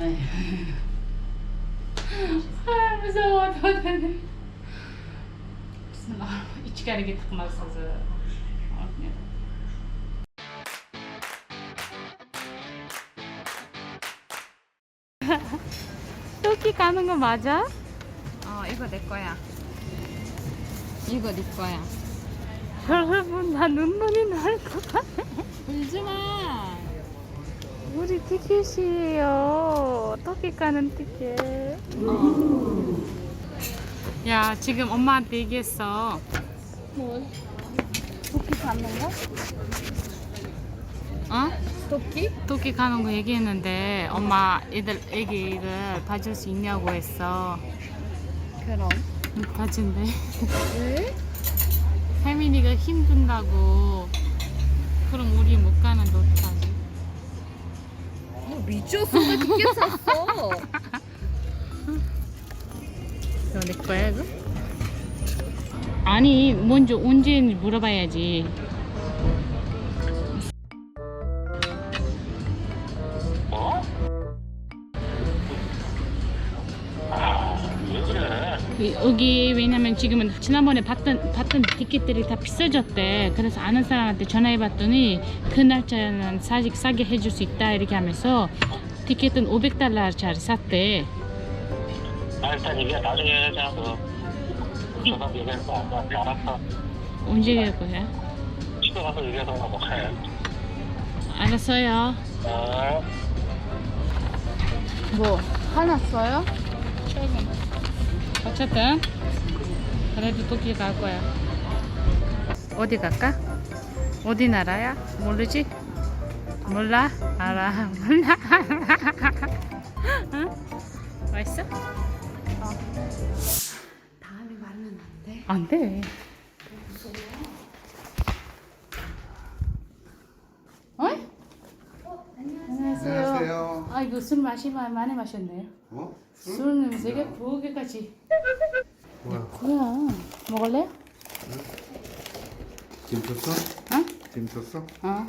아 무서워. 도대체 içeri tıkmazsızı. 토끼 가는 거 맞아? 이거 내 거야. 이거 네 거야. 여러분 나 눈물이 날 것 같아. 울지 마. 우리 티켓이에요. 토끼 가는 티켓. 야 지금 엄마한테 얘기했어. 뭐? 토끼 잡는 거? 어? 토끼? 토끼 가는 거 얘기했는데 엄마 애기를 봐줄 수 있냐고 했어. 그럼. 봐준대. 왜? 혜민이가 힘든다고. 그럼 우리 못 가는 너 어떡하지? 미쳤어. 왜 티켓 샀어? 이거 내 거야 이거? 아니 먼저 언제인지 물어봐야지. 여기 왜냐면 지금은 지난번에 봤던 티켓들이 다 비싸졌대. 그래서 아는 사람한테 전화해봤더니 그 날짜는 싸게 해줄 수 있다 이렇게 하면서 티켓은 $500짜리 샀대. 일단 이게 나중에 하자. 전화 얘기해서 알았어. 언제 갈 거야? 집에 가서 얘기해서 먹어야. 알았어요. 뭐? 화났어요? 어쨌든 그래도 토끼 갈 거야. 어디 갈까? 어디 나라야? 모르지? 몰라? 알아. 몰라? 응? 맛있어? 다음에 말하면 안 돼. 안 돼. 안녕하세요. 안녕하세요. 아 이거 술 많이 마셨네요. 어? 술 냄새가 부엌에까지. 뭐야? 뭐야? 먹을래? 김 쳤어? 어? 김 쳤어? 어.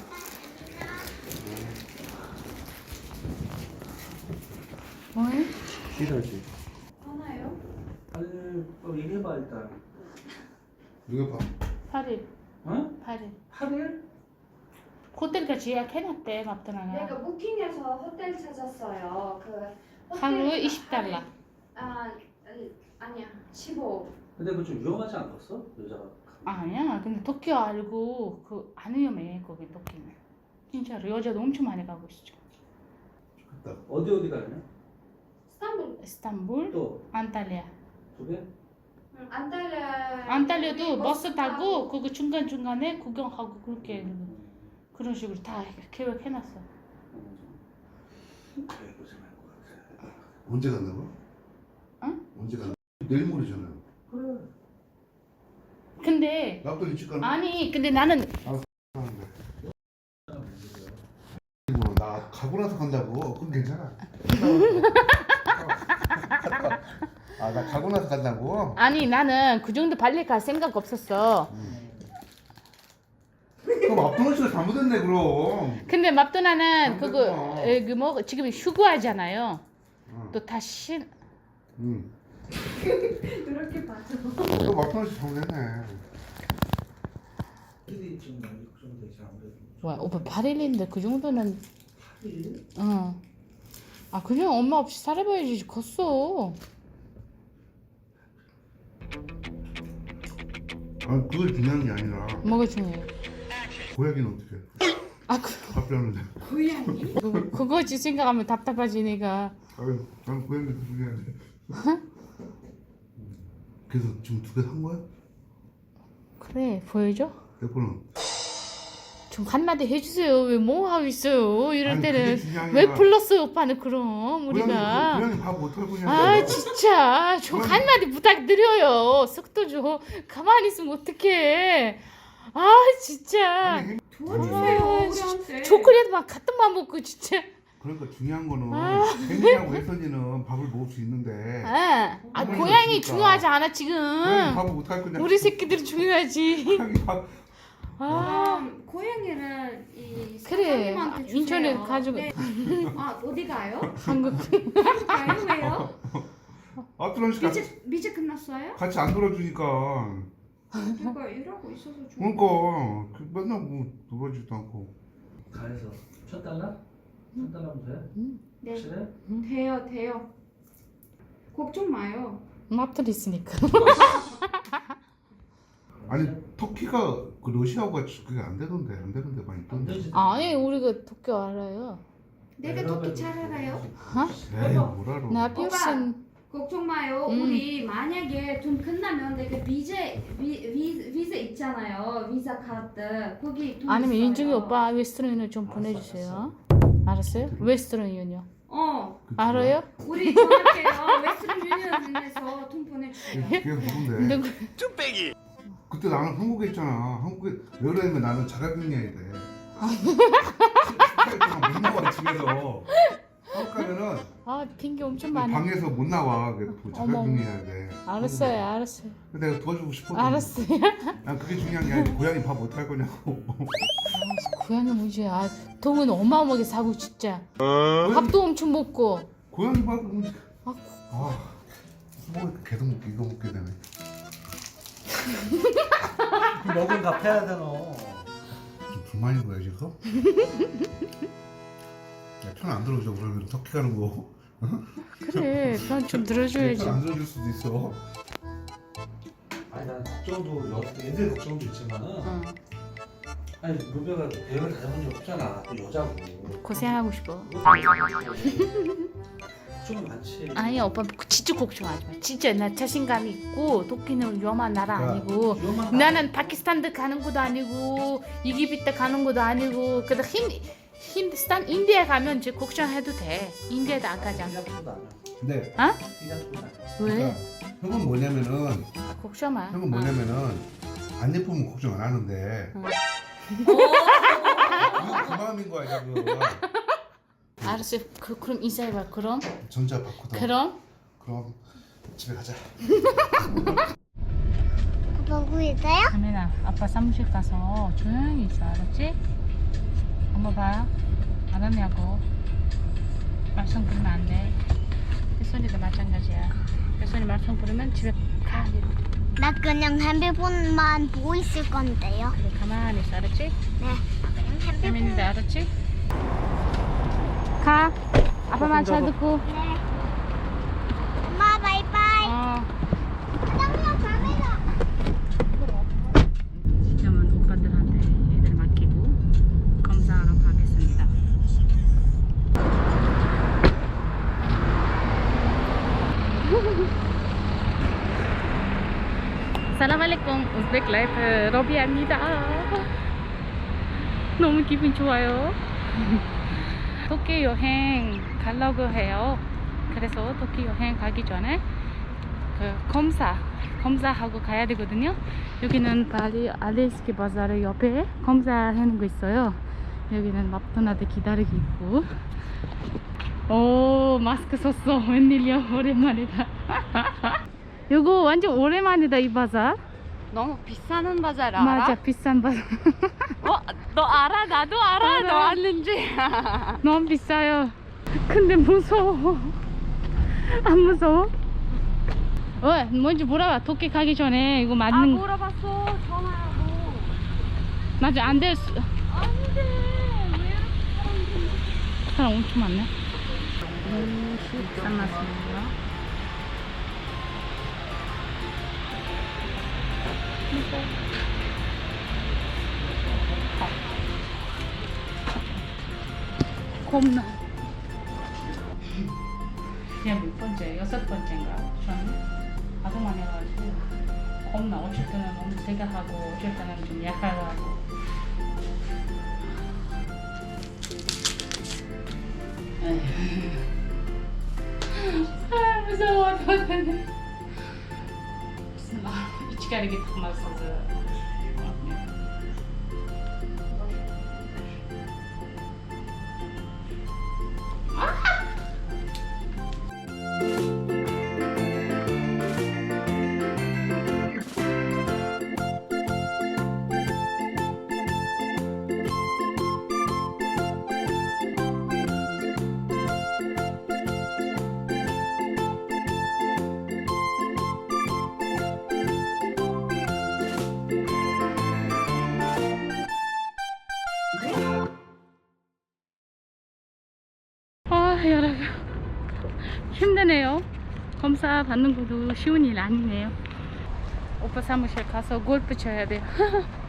뭐해? 싫어지. 하나요? 아니, 얘기해봐 일단. 누가 봐? 8일. 어? 8일. 8일? 호텔까지 예약해놨대 맙더나가. 내가 부킹해서 호텔 찾았어요. 그 호텔 하루에 $20. 아니야 15. 근데 그거 좀 위험하지 않겠어? 여자가. 아니야. 근데 도쿄 알고 그 안 위험해 거기 도쿄는. 진짜로 여자도 엄청 많이 가고 있어. 갔다. 어디 가냐? 스탄불. 이스탄불, 또 안탈리아. 두 개? 안탈리아도 버스 타고 그거 중간 중간에 구경하고 그렇게 그런 식으로 다 계획해놨어. 그래 고생할 것 같아. 언제 간다고? 응? 언제 간다? 내일 모레잖아요. 그래. 근데 나도 일찍 가는. 아니 근데 나는 하는데. 뭐, 나 가고 나서 간다고. 그건 괜찮아. 나 가고 나서 간다고. 아니 나는 그 정도 빨리 갈 생각 없었어. 그럼 앞동원 씨가 잘못했네 그럼. 근데 맙도나는 안 그거 됐구나. 그 뭐 지금 휴가하잖아요. 응. 또 다시 응. 그렇게 봐줘. 또 앞동원 씨 잘못했네. 일이 지금 많이 걱정되지 아무래도. 와 오빠 8일인데 그 정도는 8일? 어. 아 그냥 엄마 없이 살아봐야지 컸어. 아 그걸 중요한 게 아니라 뭐가 중요해? 고양이는 어떻게? 아 답변하는데. 고양이? 그거지 생각하면 답답하지 내가. 아유, 난 고양이도 중요한데. 그래서 지금 두 개 산 거야? 그래 보여줘? 대포는. 좀 한마디 해주세요. 왜 뭐 하고 있어요? 이럴 아니, 때는 그게 중요한 게 왜 아니라 불렀어요 오빠는 그럼 우리가. 고양이 밥 못할 거냐? 아 진짜 좀 고양이- 한마디 부탁드려요. 속도 좀 가만히 있으면 어떡해. 아 진짜. 아니, 도와주세요 아, 우리한테. 초콜릿만 같은 맘 먹고 진짜. 그러니까 중요한 거는 아. 혜민이하고 혜선이는 밥을 먹을 수 있는데 아 고양이가 고양이 없으니까. 중요하지 않아 지금. 고양이 밥을 못할 거냐? 우리 새끼들이 중요하지. 고양이 밥 아 고양이를 이 그래, 사장님한테 주세요. 인천에 가지고 네. 아 어디 가요? 한국 가요 왜요? 아트런 씨가 미제 끝났어요? 같이 안 놀아주니까. 누가 일하고 있어서 좀. 그러니까 맨날 뭐 놀아주지도 않고. 가에서 1,000달러? 1,000달러면 돼? 네. 확실해? 돼요. 걱정 마요. 맙들 있으니까. 아니 터키가 그 러시아가 그게 안 되던데 많이 안 있던데. 되지. 아니 우리가 도쿄 알아요. 내가 터키 잘 알아요. 에이 뭘 알아. 나 필승 걱정 마요. 우리 만약에 돈 끝나면 내가 비자 있잖아요. 비자 카드 거기 돈 아니면 있어요. 인중이 오빠 웨스트런 유니언 좀 보내주세요. 알았어요? 웨스트런 유니언. 그치? 알아요? 우리 전화해요. 웨스트ern 유니언에서 돈 보내주세요. 그게 누군데? 누구? 그때 나는 한국에 있잖아. 한국에 왜 그러냐면 나는 자가격리해야 돼. 18일 동안 못 나와 집에서. 한국 가면은 아 핑계 엄청 많아. 방에서 못 나와. 그래서 자가격리해야 돼. 알았어요. 근데 내가 도와주고 싶어도. 알았어요. 난 그게 중요한 게 아니고 고양이 밥 어떡할 거냐고. 고양이 뭐지? 아 돈은 어마어마하게 사고 진짜. 밥도 엄청 먹고. 고양이 밥은 아, 뭐 계속 먹게 이거 먹게 되네. 먹은 값 해야 돼 너. 좀 불만인 거야 지금? 야, 편 안 들어줘 그러면 터키 가는 거. 그래 편 좀 들어줘야지. 편 안 들어줄 수도 있어. 아니 난 걱정도 애들 걱정도 있지만은 응. 아니 루베가 대회를 다녀본 적 없잖아. 또 여자고. 고생하고 싶어. 걱정이 많지. 아니 오빠 진짜 걱정하지 마. 진짜 나 자신감이 있고 도끼는 위험한 나라 아니고 위험한 나는 파키스탄도 가는 것도 아니고 이집트 가는 것도 아니고 그다 힌두스탄 인디아 가면 이제 걱정해도 돼. 인디아도 안 가잖아. 근데 어? 그러니까 왜? 형은 뭐냐면은 걱정 마. 형은 뭐냐면은 안 예쁘면 걱정 안 하는데. 응. 그 마음인 거야 지금. 알았어. 그럼 인사해봐. 그럼 전자 바꾸다. 그럼 집에 가자. 보고 있어요? 가민아 아빠 사무실 가서 조용히 있어. 알았지? 엄마 봐. 알았냐고. 말썽 부리면 안 돼. 혜선이도 마찬가지야. 혜선이 말썽 부리면 집에 가. 나 그냥 핸드폰만 보고 있을 건데요. 그래 가만히 있어. 알았지? 네. 그냥 핸드폰. 혜민이도 알았지? 가. 아빠 말 잘 듣고. 네. 엄마 바이바이. 사장님 가면서. 지금은 오빠들한테 애들 맡기고 검사하러 가겠습니다. 살라말레쿰 우즈벡 라이프 러비아입니다. 너무 기분 좋아요. 도쿄 여행 가려고 해요. 그래서 도쿄 여행 가기 전에 그 검사하고 가야 되거든요. 여기는 발리 알레스키 바자르 옆에 검사하는 거 있어요. 여기는 마크도나드 기다리고 있고. 오 마스크 썼어. 웬일이야. 오랜만이다. 이거 완전 오랜만이다 이 바자. 너무 비싸는 바자를 맞아 비싼 바자. 너 알아? 나도 알아. 알아. 너 왔는지. 너무 비싸요. 근데 무서워. 안 무서워? 뭔지 물어봐. 도쿄 가기 전에 이거 맞는 거. 물어봤어. 전화하고. 맞아 안 될 수. 안 돼. 왜 사람 엄청 많네. 비싼 맛입니다. 겁나. 그냥 몇 번째, 6번째인가? 저는 가동만 해가지고 겁나. 어쩔 때는 너무 세게 하고 어쩔 때는 좀 약하게 하고. 아 무서워. 저는 무슨 말 이치가리게 딱 맞서서. 여러분 힘드네요. 검사 받는 것도 쉬운 일 아니네요. 오빠 사무실 가서 골프 쳐야 돼요.